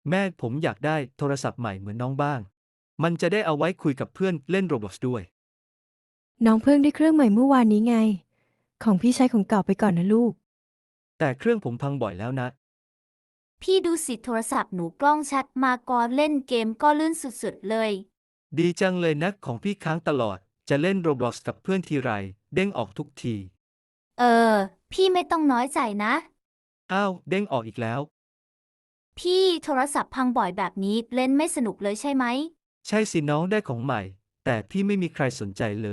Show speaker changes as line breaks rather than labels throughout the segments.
แม่ผมอยากได้โทรศัพท์ใหม่เหมือนน้องบ้าง มันจะได้เอาไว้คุยกับเพื่อนเล่นโรบอทด้วย
น้องเพิ่งได้เครื่องใหม่เมื่อวานนี้ไง ของพี่ใช้ของเก่าไปก่อนนะลูก
แต่เครื่องผมพังบ่อยแล้วนะ
พี่ดูสิโทรศัพท์หนูกล้องชัดมาก่อนเล่นเกมก็ลื่นสุดๆเลย
ดีจังเลยนะของพี่ค้างตลอด จะเล่นโรบอทกับเพื่อนทีไรเด้งออกทุกที
เออ พี่ไม่ต้องน้อยใจนะ
อ้าวเด้งออกอีกแล้ว
พี่โทรศัพท์พังบ่อยแบบนี้เล่นไม่สนุกเลยใช่ไหม
ใช่สิน้องได้ของใหม่ แต่พี่ไม่มีใครสนใจเลย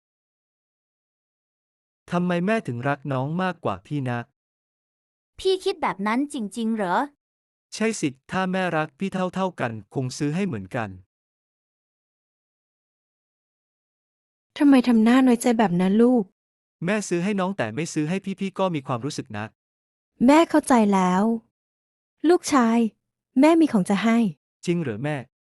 ทำไมแม่ถึงรักน้องมากกว่าพี่นะ
พี่คิดแบบนั้นจริงๆเหรอ
ใช่สิ ถ้าแม่รักพี่เท่ากันคงซื้อให้เหมือนกัน
ทำไมทำหน้าน้อยใจแบบนั้นลูก
แม่ซื้อให้น้องแต่ไม่ซื้อให้พี่ก็มีความรู้สึกนะ
แม่เข้าใจแล้ว ลูกชาย แม่มีของจะให้
จริงเหรอแม่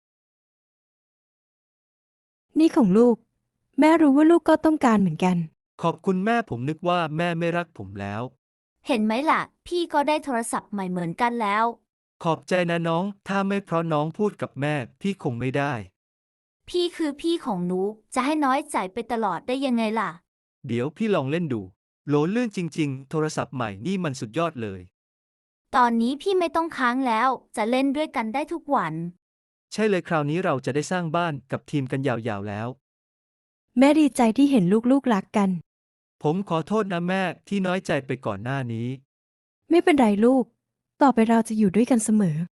นี่ของลูก แม่รู้ว่าลูกก็ต้องการเหมือนกัน
ขอบคุณแม่ผมนึกว่าแม่ไม่รักผมแล้ว
เห็นไหมล่ะ พี่ก็ได้โทรศัพท์ใหม่เหมือนกันแล้ว
ขอบใจนะน้อง ถ้าไม่เพราะน้องพูดกับแม่พี่คงไม่ได้
พี่คือพี่ของหนูจะให้น้อยใจไปตลอดได้ยังไงล่ะ
เดี๋ยวพี่ลองเล่นดู โหลลื่นจริงๆ โทรศัพท์ใหม่นี่มันสุดยอดเลย
ตอนนี้พี่ไม่ต้องค้างแล้วจะเล่นด้วยกันได้ทุกวัน
ใช่เลยคราวนี้เราจะได้สร้างบ้านกับทีมกันยาวๆแล้ว
แม่ดีใจที่เห็นลูกๆรักกัน
ผมขอโทษนะแม่ที่น้อยใจไปก่อนหน้านี้
ไม่เป็นไรลูก ต่อไปเราจะอยู่ด้วยกันเสมอ